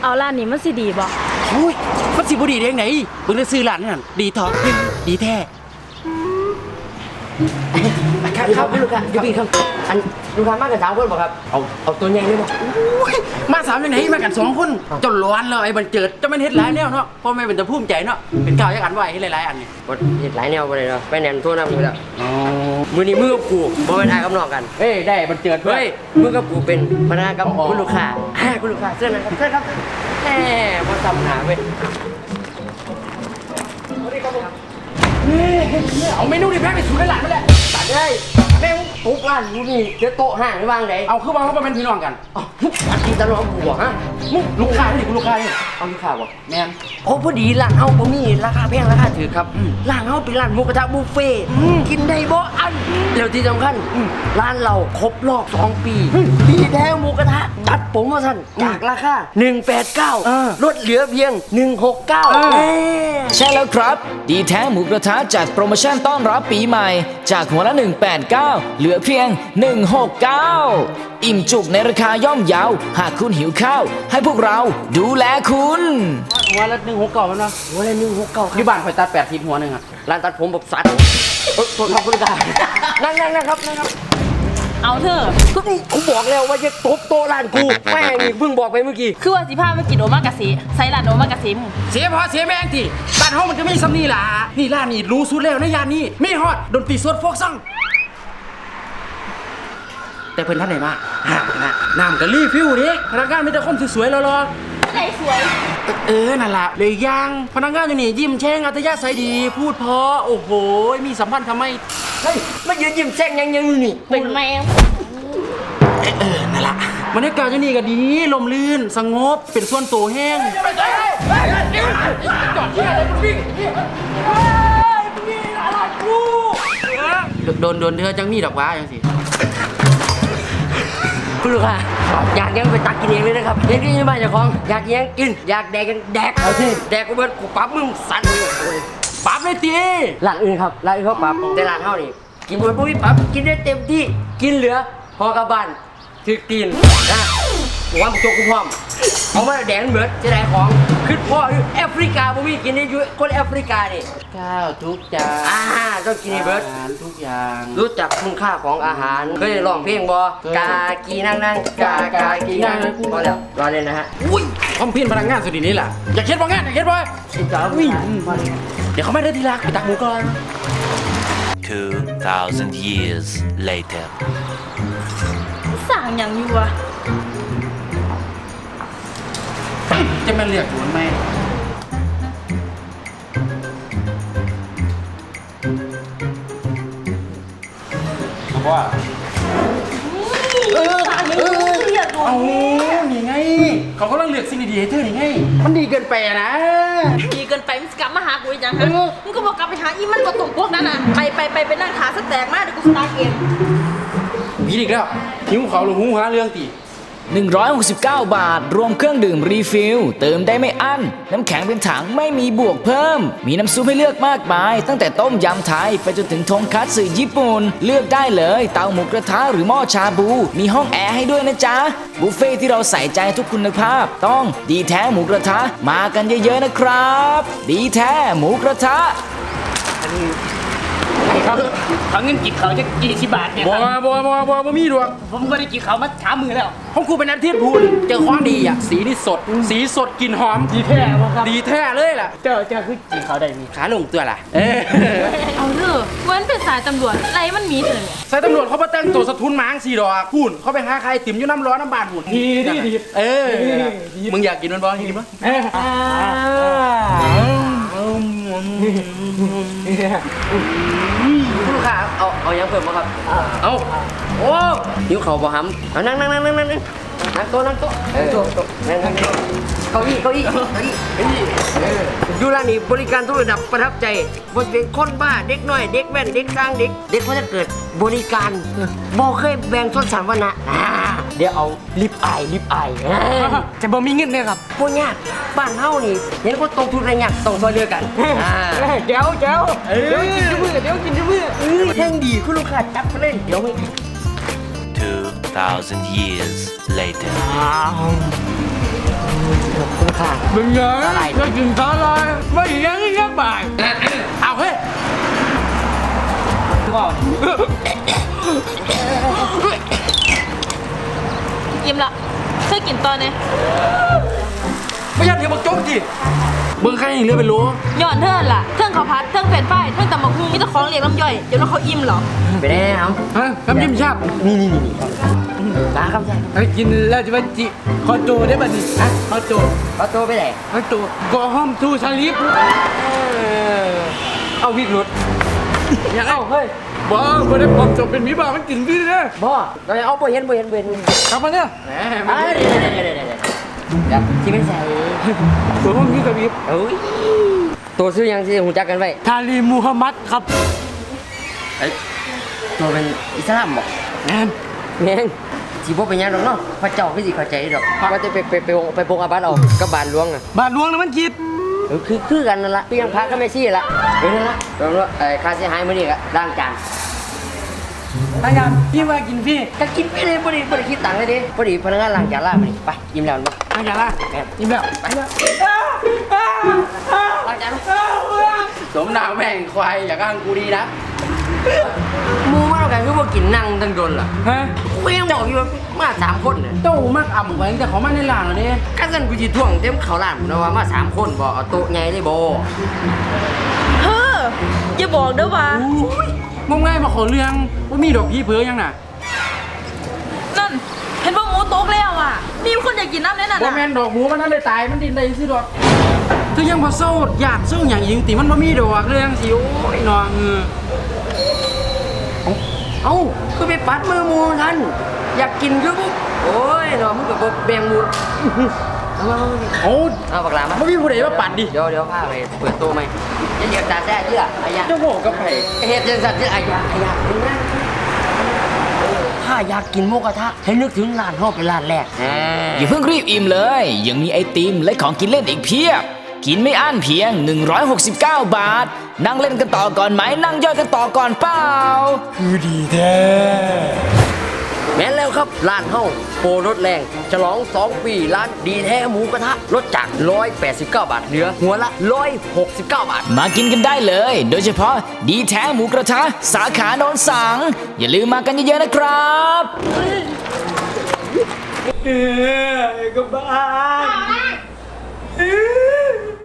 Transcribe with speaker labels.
Speaker 1: เอาร้านนี้มันสิดีบ่
Speaker 2: โอ้ยมันสิบ่ดีได้ยังไงเบิ่งได้ซื้อร้านนั่นดีทอดีแท้
Speaker 3: ครับลูกค้าอยู่พี่ครับอันลูกค้ามากัน3 คนบ่ครับเอาตัวใหญ่เลยบ่
Speaker 2: มา3ยังไงมากัน2 คนจนร้อนแล้วไอ้บันเจิดจะมันเฮ็ดหลายแนวเนาะพ่อแม่เป็นตะภูมิใจเนาะเป็นก้าวยักอันไว้เฮ็ดหลายๆอันนี่
Speaker 3: บ่เฮ็ดหลายแนวบ่ได้เนาะไปแหนมโทรนำอยู่แล้วมื้อนี้มือกับกูบ่เป็นอ้ายกับน้องกัน
Speaker 2: เฮ้ยได้บันเจิด
Speaker 3: เฮ้ยมือกับกูเป็นพนักงานกับคุณลูกค้าคุณลูกค้าเชิญนะครับเชิญครับแหมบ่ซ้ำหน้าเว้ย
Speaker 2: เอาเมนูนี่แพ้ไปสู่ในร้านนั่นแหละ
Speaker 3: ตัดได้แม่งปุ๊กร้านกูนี่เดี๋ยวโต๊ะห่างไปวางไหน
Speaker 2: เอาคือว่าเขาเป็นพี่น้องกัน
Speaker 3: อันที่ตลอดกูบ่ฮะ
Speaker 2: มึงลูกค้านี่กูลูกค้านี่
Speaker 3: เอาลูกค้าบ่
Speaker 2: แม่น
Speaker 3: โอ้พอดีร้านเฮาบ่มีราคาแพงราคาถูกครับร้านเฮาเป็นร้านหมูกระทะบุฟเฟ่กินได้บ่อันแล้วที่สำคัญร้านเราครบรอบ2 ปีดีแท้หมูกระทะจัดโปรโมชั่นจากราคา189ลดเหลือเพียง169
Speaker 4: ใช่แล้วครับดีแท้หมูกระทะจัดโปรโมชั่นต้อนรับปีใหม่จากหัวละ189เหลือเพียง169อิ่มจุกในราคาย่อมเยาหากคุณหิวข้าวให้พวกเราดูแลคุณ
Speaker 2: หัวละ169มันเนาะ
Speaker 3: หัวละ169ครับ
Speaker 2: ที่บ้านข่อยตัด80หัวนึงอ่ะ
Speaker 3: ร้านตัดผมแบบสัตว์โทษครับคุณตานั่งครับ
Speaker 1: เอาเถอะ
Speaker 3: ก็นี่กูบอกแล้วว่าจะตบโต๊ะร้านกูแม่งเพิ่งบอกไปเมื่อกี้
Speaker 1: คือว่าสิพามากินโอมากาเสะใส่ร้านโอมากาเสะมึง
Speaker 2: เสียพอเสียแม่งทีบ้านเฮามันก็มีซ้ำนี่ล่ะนี่ร้านนี่รู้สุดแล้วในย่านนี้ไม่ฮอดดนตรีสดโฟกซังแต่เพิ่นท่านไหนมาน้ำก็รีฟิวดิพนักงานมีแต่คนสวยๆรอ
Speaker 1: ไหนสวย
Speaker 2: นั่นล่ะเลยย่างพนักงานอยู่นี่ยิ้มแฉ่งอัธยาศัยดีพูดเพราะโอ้โหมีสัมพันธ์ทำไม
Speaker 3: เฮ้ยมายืนยิ้มแฉ่งยังนี่
Speaker 1: เป็นแมว
Speaker 2: นั่นล่ะบรรยากาศอยู่นี่ก็ดีลมลื่นสงบเป็นส่วนตัวแห้งจอดที่อะไรมึงวิ่งโดนเธอจังมีดอกว้าจังสิ
Speaker 3: คุณลูกค้าอยากยังไปตักกินเองเลยนะครับเด็กที่บ้านเจ้าของอยากยังกินอยากแดกกันแดกเอาสิแดกกูเบิดกูปั๊บมึงสั่นเลย
Speaker 2: ปั๊บเลยตี
Speaker 3: ร้านอื่นครับร้านอื่นเขาปั๊บแต่ร้านเฮานี่กินเบิดปุ๊บปั๊บกินได้เต็มที่กินเหลือพอกลับบ้านถึกตีนนะว่ามึงโจกกูพร้อมเอามาแดกเบิดจะได้ของขึ้นพ่อแอฟริกาบ่มีกินได้อยู่คนแอฟริกานี่
Speaker 2: ข้าวทุกจาน
Speaker 3: ต้องกินเบิร์ด
Speaker 2: ทุกอย่าง
Speaker 3: รู้จักคุณค่าของอาหารเคยร้องเพลงบอกากีนั่งกากีนั่งพอแล้วรอเล่นนะฮะ
Speaker 2: อุ้ยคอมพิวพนักงานสุดนี้ล่ะอยากเช็ดบ่งานอยากเช็ดบ่วิ่งเดี๋ยวเขาไม่ได้ทีละไปตักหมูก่อน
Speaker 5: 2,000 years later
Speaker 1: สั่งอย่างอยู่วะ
Speaker 2: จะมาเรียกหวนไหมว่าเอานี่ไงเขากำลังเลือกสิ่งดีๆให้เธอนี่ไงมันดีเกินไปนะ
Speaker 1: ดีเกินไปมึงกลับมาหากูอีกยังฮะมึงก็บอกกลับไปหาอีมันตัวตรงพวกนั้นน่ะไปนั่งขาสแตกมากเดี๋ยวกูสตาร์ทเอง
Speaker 2: พี่อีกแล้วหิวเขาหรือหูหาเรื่องตี
Speaker 4: 169 บาทรวมเครื่องดื่มรีฟิลเติมได้ไม่อั้นน้ำแข็งเป็นถังไม่มีบวกเพิ่มมีน้ำซุปให้เลือกมากมายตั้งแต่ต้มยำไทยไปจนถึงทงคัตสึญี่ปุ่นเลือกได้เลยเตาหมูกระทะหรือหม้อชาบูมีห้องแอร์ให้ด้วยนะจ๊ะบุฟเฟ่ที่เราใส่ใจทุกคุณภาพต้องดีแท้หมูกระทะมากันเยอะๆนะครับดีแท้หมูกระทะ
Speaker 6: ครับเขาเงินกินเขาจะ40 บาทเนี่ย
Speaker 2: บ่มีดวง
Speaker 6: ผมก็ได้กินเขามา3 มื้อแล้ว
Speaker 2: ของกูเป็นอาทิตย์พูนเจอของดีอ่ะสีนี่สดกลิ่นหอม
Speaker 6: ดีแท้ครับ
Speaker 2: ดีแท้เลยล่ะ
Speaker 6: เจ้าคือกินเขาได้มี
Speaker 2: ขาลงตัวล่ะ
Speaker 1: เอาเถอะวันเป็นสายตำรวจอะไรมันมีเถอะเนี่ย
Speaker 2: สายตำรวจเขามาแต่งตัวสะทุนหมาง4 ดอกพูนเขาไปหาใครติ๋มอยู่น้ำร้อนน้ำบานหุ่น
Speaker 6: ดี
Speaker 2: มึงอยากกินมันบ่กินมั้ย
Speaker 3: ลูกค้าเอายังเพิ่มมั้งครับเอาโอ้หิวเข่าบ่หำนั่งโต๊ะนั่งเก้าอี้อยู่ร้านนี้บริการทุกระดับประทับใจบนเป็นคนบ้าเด็กน้อยเด็กแว่นเด็กกลางเด็กเขาจะเกิดบริการบ่เคยแบ่งชนชั้นวรรณะเดี๋ยวเอาลิปอาย
Speaker 6: จะบ่มีเงินเนี่ยครับ
Speaker 3: พวกยากบ้านเฮานี่เห็นคนตรงทุนอะไรยากต้องซอยเรือกัน
Speaker 6: เดี๋ยวกินด้วยมือ
Speaker 3: แท่งดีคุณลูกค้าจับไปเลยเดี๋ยวไม่
Speaker 5: 2,000 years later
Speaker 3: ขอบคุณค่ะ
Speaker 2: มึงเยอะก็กินข้าวเลยไม่ยังยังบ่ายเอาเฮ้ย
Speaker 1: อิ่มละเธอกินตอนนี้
Speaker 2: ไม่ยันเดี๋ยวบอกโจ๊กจีเบิ้งใครเรือเป็นรู้
Speaker 1: ย้อนเธอล่ะเทิงข้าวผัดเทิงเฟรนช์ฟรายเทิงตำบักหุ่งมีแต่ของเรียกน้ำย่อยเดี๋ยวน้องเขาอิ่มเหรอ
Speaker 3: ไปได้ครับ
Speaker 2: ฮะน้ำจิ้มชาบ
Speaker 3: นี่ตาครับใช่
Speaker 6: ไอ้กินแล้วจะมาจิคอโจได้ป่ะนี่ฮะคอโจ
Speaker 3: เอาตัวไปไหน
Speaker 6: คอโจก็ห้อมทูชาลิฟ
Speaker 3: เอาวิกรุด
Speaker 6: ยังเอาเฮ้ยบ้าไม่ได้ความจบเป็นมีบ้ามันกินพี่เลย
Speaker 3: บ่เราเอาบ่เห็น
Speaker 6: กลับมาเนี่ย
Speaker 3: เดี๋ยวที่ไม่ใส่
Speaker 6: ตัวห้องนี้กับพี่
Speaker 3: เอ้ยตัวซื้อยังที่หูจักกันไว้
Speaker 6: ทาลีมูฮัมมัดครับ
Speaker 3: ตัวเป็นอิสลามบอก
Speaker 6: แอน
Speaker 3: แม่งสิบ่เป็นหยังดอกเนาะพระเจ้าคือสิเข้าใจดอกว่าจะไปปงอาบัติเอากับบานหลวงอ่ะ
Speaker 6: บาทหลวงนะมันคิด
Speaker 3: คือกันนั่นละพี่ยังพระก็ไม่ชี้ละนั่นละแล้วค่าเสียหายมื้อนี้ก็ล้างจาน
Speaker 6: อาจารย์พี่มากินพี่
Speaker 3: ก็กินไปเลยบ่ได้คิดตังค์เลยดิบ่ได้พนักงานล้างจานล้างมื้อนี้ไปยิ้มแล้วเนาะ
Speaker 6: อาจารย์ล่ะนี่แบบ
Speaker 3: ไปล้างจาน
Speaker 2: สมหนาวแม่งควายอยากอ้างกูดีนะ
Speaker 3: หมู่มาแล้วกันคือบ่กินนั่งตั้งโดนล่ะ
Speaker 2: ฮะ
Speaker 3: กูยังบอกอยู่ว่ามา3คนน่ะ
Speaker 2: เจ้ามากอ่ำกว่าแต่เขามาในหลางเหรอเนี่ย
Speaker 3: ก็ซั่นกูสิท่วงเต็มเขาวร้านพุ่นนะว่ามา3คนบ่เอาโต๊ะใหญ่ได้บ่
Speaker 1: เฮ้ออย่าบอกเด้อว่า
Speaker 2: มึงไงมาขอเรื่องว่ามีดอกพี่เผือยังน่ะ
Speaker 1: นั่นเห็นว่าหมูโต๊กแล้วอ่ะมีคนอยากกินน้ำแน่น่ะ
Speaker 2: ว่าแม่นดอกหมูมันนั่นเลยตายมันดินได้สิดอกคือยังพอโซ่อยากสู้อย่างยิงตีมันบ่มีดอกเรื่องสิโอ้ยนอง
Speaker 3: เอ้าคือไปปัดมือหมู่ท่านอยากกินคือบ่โอ้ยเนาะมึงก็บ่แบ่งหมู่เอามา
Speaker 2: โอ้
Speaker 3: เอาบักหลามา
Speaker 2: บ่มีผู้ใดมาปัดดิ
Speaker 3: เดี๋ยวพาไปเปิดโต๊ะไหมอย่าเหยียบตาแซ่เชื่ออายะ
Speaker 2: เจ้าโง่กับไผ
Speaker 3: เฮ็ดจังซั่นที่อายะถ้าอยากกินหมูกระทะให้นึกถึงร้านเฮาเป็นร้านแรก
Speaker 4: อย่าเพิ่งรีบอิ่มเลย ยังมีไอติมและของกินเล่นอีกเพียบ กินไม่อั้นเพียง 169 บาท นั่งเล่นกันต่อก่อนไหม นั่งย่อยกันต่อก่อนเปล่า
Speaker 3: แม่นแล้วครับร้านเฮาโปรลดแรงฉลอง2 ปีร้านดีแท้หมูกระทะลดจาก189 บาทเหลือหัวละ169 บาท
Speaker 4: มากินกันได้เลย โดยเฉพาะดีแท้หมูกระทะสาขาโนนสัง อย่าลืมมากันเยอะๆนะครับ
Speaker 6: ก็บ้าน